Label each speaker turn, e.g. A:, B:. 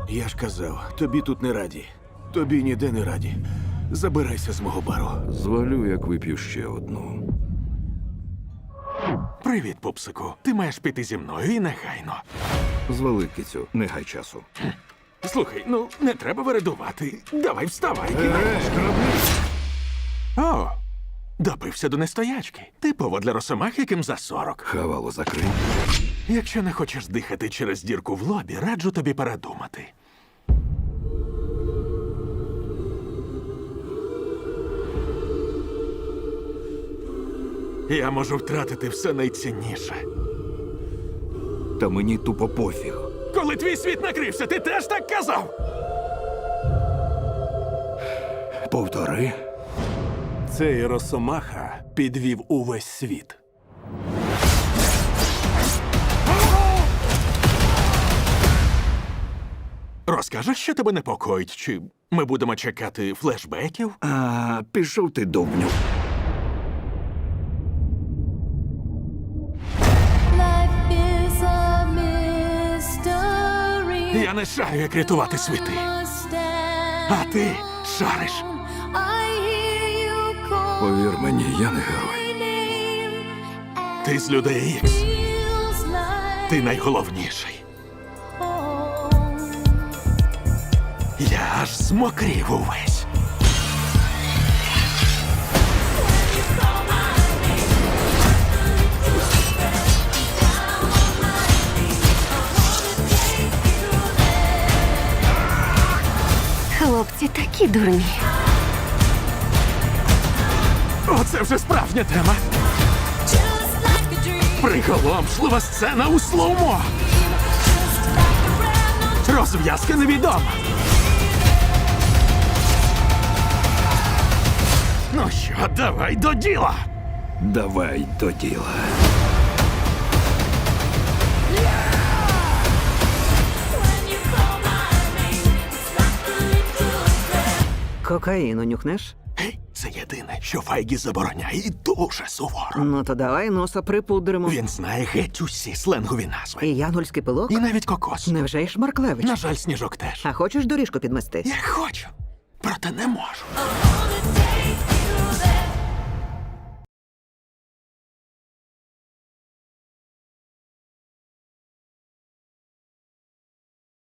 A: Я ж казав, тобі тут не раді. Тобі ніде не раді. Забирайся з мого бару.
B: Звалю, як вип'ю ще одну.
C: Привіт, пупсику. Ти маєш піти зі мною і негайно.
B: Звали, кицю, не гай часу.
C: Слухай, ну не треба вередувати. Давай вставай. О, допився до нестоячки. Типово для росомах, яким за 40.
B: Хавало закрий.
C: Якщо не хочеш дихати через дірку в лобі, раджу тобі передумати. Я можу втратити все найцінніше.
B: Та мені тупо пофіг.
C: Коли твій світ накрився, ти теж так казав?
B: Повтори.
A: Цей росомаха підвів увесь світ.
C: Розкажеш, що тебе непокоїть, чи ми будемо чекати флешбеків?
B: А, пішов ти, довбню.
D: Life is a mystery.
C: Я не шарю, як рятувати світи. А ти шариш.
B: Повір мені, я не герой.
C: Ти з людей Ікс. Ти найголовніший. Я аж змокрів увесь.
E: Хлопці такі дурні.
C: Оце вже справжня тема. Приголомшлива сцена у слоумо. Розв'язка невідома. Ну що, давай до діла.
B: Давай до діла.
F: Кокаїну нюхнеш?
C: Гей, це єдине, що Файгі забороняє і дуже суворо.
F: Ну то давай носа припудримо.
C: Він знає геть усі сленгові назви.
F: І янгольський пилок?
C: І навіть кокос.
F: Невже й Шмарклевич?
C: На жаль, Сніжок теж.
F: А хочеш доріжку підмести?
C: Я хочу, проте не можу.